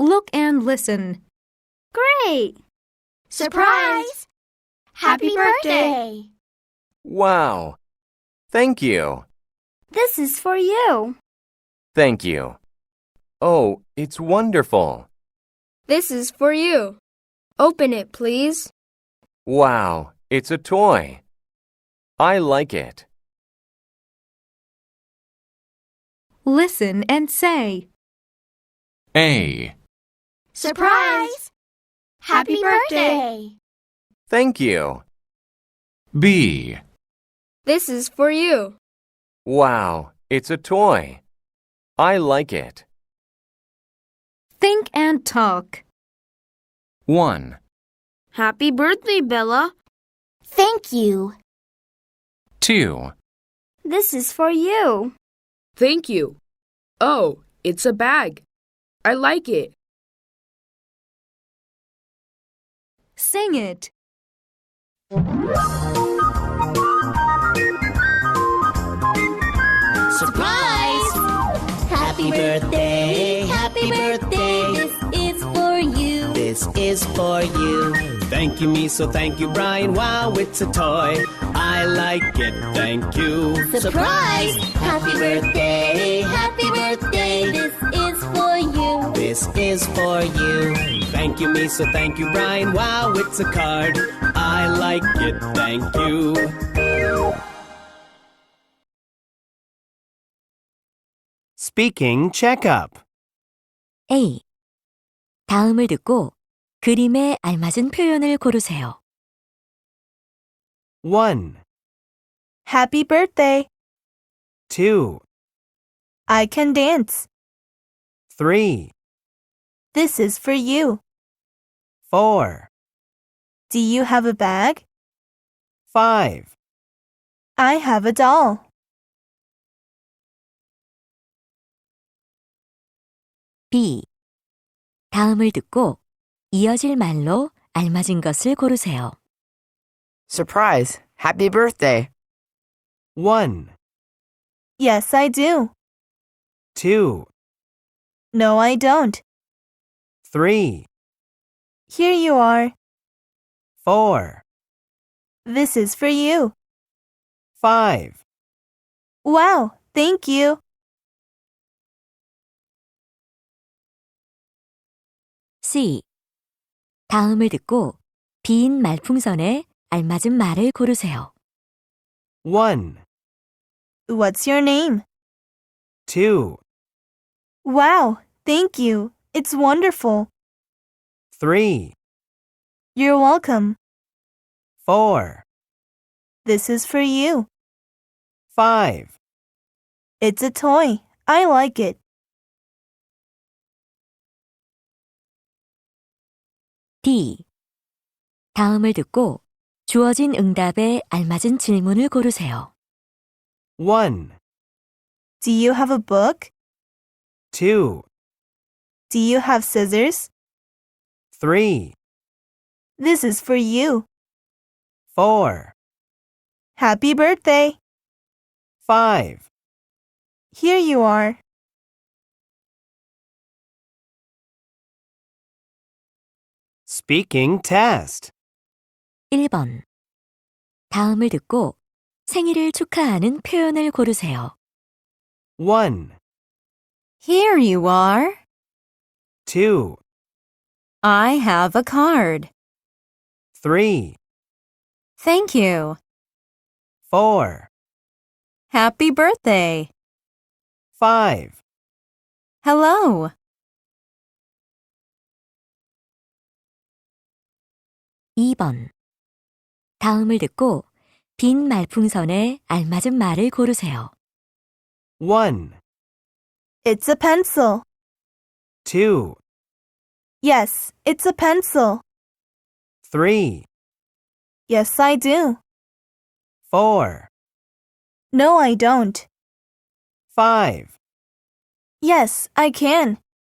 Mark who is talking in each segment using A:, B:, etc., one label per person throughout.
A: Look and listen.
B: Great! Surprise! Happy birthday!
C: Wow! Thank you.
B: This is for you.
C: Thank you. Oh, it's wonderful.
D: This is for you. Open it, please.
C: Wow, it's a toy. I like it.
A: Listen and say.
E: A.
B: Surprise! Happy birthday!
C: Thank you.
E: B.
D: This is for you.
C: Wow, it's a toy. I like it.
A: Think and talk.
E: 1,
D: Happy birthday, Bella.
B: Thank you.
E: 2,
B: This is for you.
D: Thank you. Oh, it's a bag. I like it.
A: Sing it.
F: Surprise! Happy birthday, happy birthday. This is for you. This is for you.
G: Thank you, Miso. Thank you, Brian. Wow, it's a toy. I like it. Thank you.
F: Surprise! Happy birthday, happy birthday. This is for you.
G: This is for you. Thank you, Miso. Thank you, Brian. Wow, it's a card. I like it. Thank you. Speaking checkup.
H: A. 다음을 듣고 그림에 알맞은 표현을 고르세요.
G: 1,
I: Happy birthday.
G: 2,
I: I can dance.
G: 3,
I: This is for you.
G: 4,
I: Do you have a bag?
G: 5,
I: I have a doll.
H: B. 다음을 듣고 이어질 말로 알맞은 것을 고르세요.
J: Surprise! Happy birthday!
G: 1,
I: Yes, I do.
G: 2,
I: No, I don't.
G: 3,
I: Here you are.
G: 4,
I: This is for you.
G: 5.
I: Wow, thank you.
H: C. 다음을 듣고 빈 말풍선에 알맞은 말을 고르세요.
G: 1,
I: What's your name?
G: 2,
I: Wow, thank you. It's wonderful.
G: 3,
I: You're welcome.
G: 4,
I: This is for you.
G: 5.
I: It's a toy. I like it.
H: D. 다음을 듣고 주어진 응답에 알맞은 질문을 고르세요.
G: 1,
I: Do you have a book?
G: 2,
I: Do you have scissors?
G: 3,
I: This is for you.
G: 4,
I: Happy birthday.
G: 5.
I: Here you are.
G: Speaking test.
H: 1번. 다음을 듣고 생일을 축하하는 표현을 고르세요.
G: 1,
A: Here you are.
G: 2,
A: I have a card.
G: 3,
A: Thank you.
G: 4,
A: Happy birthday.
G: 5.
A: Hello.
H: (2번) 다음을 듣고 빈 말풍선에 알맞은 말을 고르세요.
G: 1,
I: It's a pencil.
G: 2,
I: Yes, it's a pencil.
G: 3,
I: Yes, I do.
G: 4,
I: No, I don't.
G: 5.
I: Yes, I can.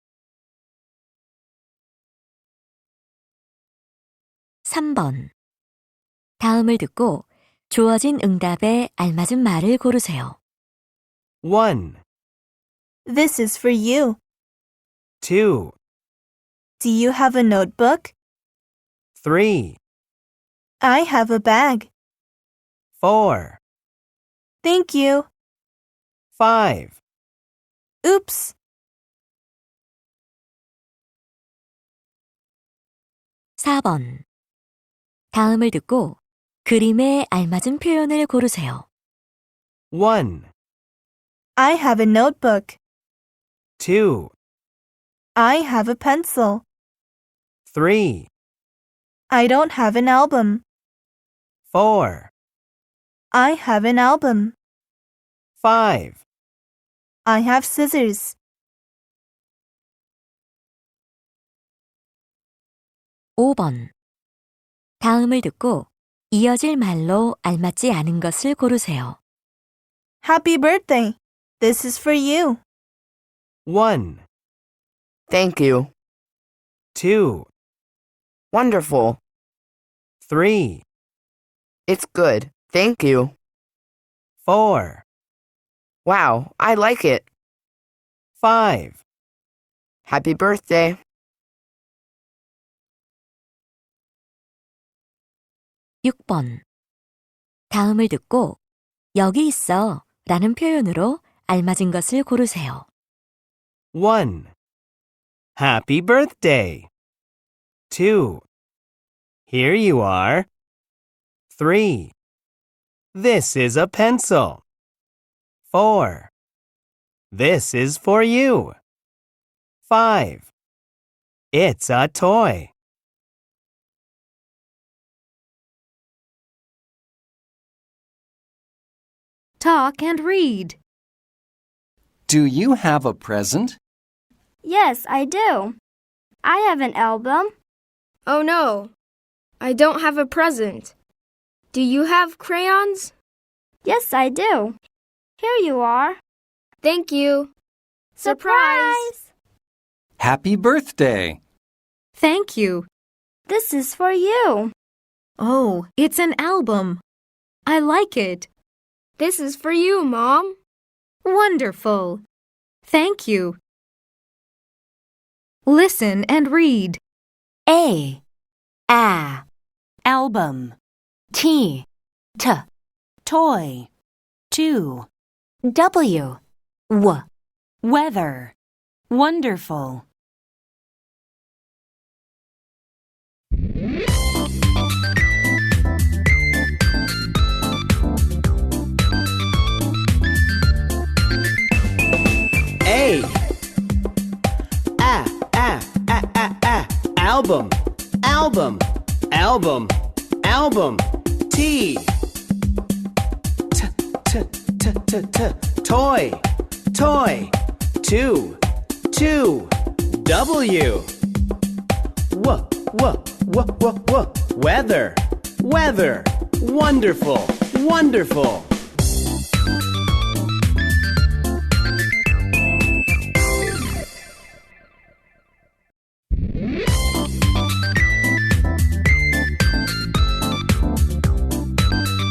H: 3번. 다음을 듣고 주어진 응답에 알맞은 말을 고르세요.
G: 1,
I: This is for you.
G: 2,
I: Do you have a notebook?
G: 3,
I: I have a bag.
G: 4,
I: Thank you.
G: 5.
I: Oops.
H: (4번) 다음을 듣고 그림에 알맞은 표현을 고르세요.
G: 1,
I: I have a notebook.
G: 2,
I: I have a pencil.
G: 3,
I: I don't have an album.
G: 4,
I: I have an album.
G: 5.
I: I have scissors.
H: 5번 다음을 듣고 이어질 말로 알맞지 않은 것을 고르세요.
I: Happy birthday. This is for you.
G: 1,
J: Thank you.
G: 2,
J: Wonderful.
G: 3,
J: It's good. Thank you.
G: 4,
J: Wow, I like it.
G: 5.
J: Happy birthday.
H: 6번 다음을 듣고 여기 있어 라는 표현으로 알맞은 것을 고르세요.
G: 1. Happy birthday. 2. Here you are. 3. This is a pencil. 4. This is for you. 5. It's a toy.
A: Talk and read.
K: Do you have a present?
B: Yes, I do. I have an album.
D: Oh no, I don't have a present. Do you have crayons?
B: Yes, I do. Here you are.
D: Thank you.
B: Surprise!
K: Happy birthday!
A: Thank you.
B: This is for you.
A: Oh, it's an album. I like it.
D: This is for you, Mom.
A: Wonderful. Thank you. Listen and read.
L: A album. T toy. 2 W weather. Wonderful.
G: A. Album. Album. Album. Album. T. Toy. Toy. 2. W. Weather. Weather. Wonderful. Wonderful.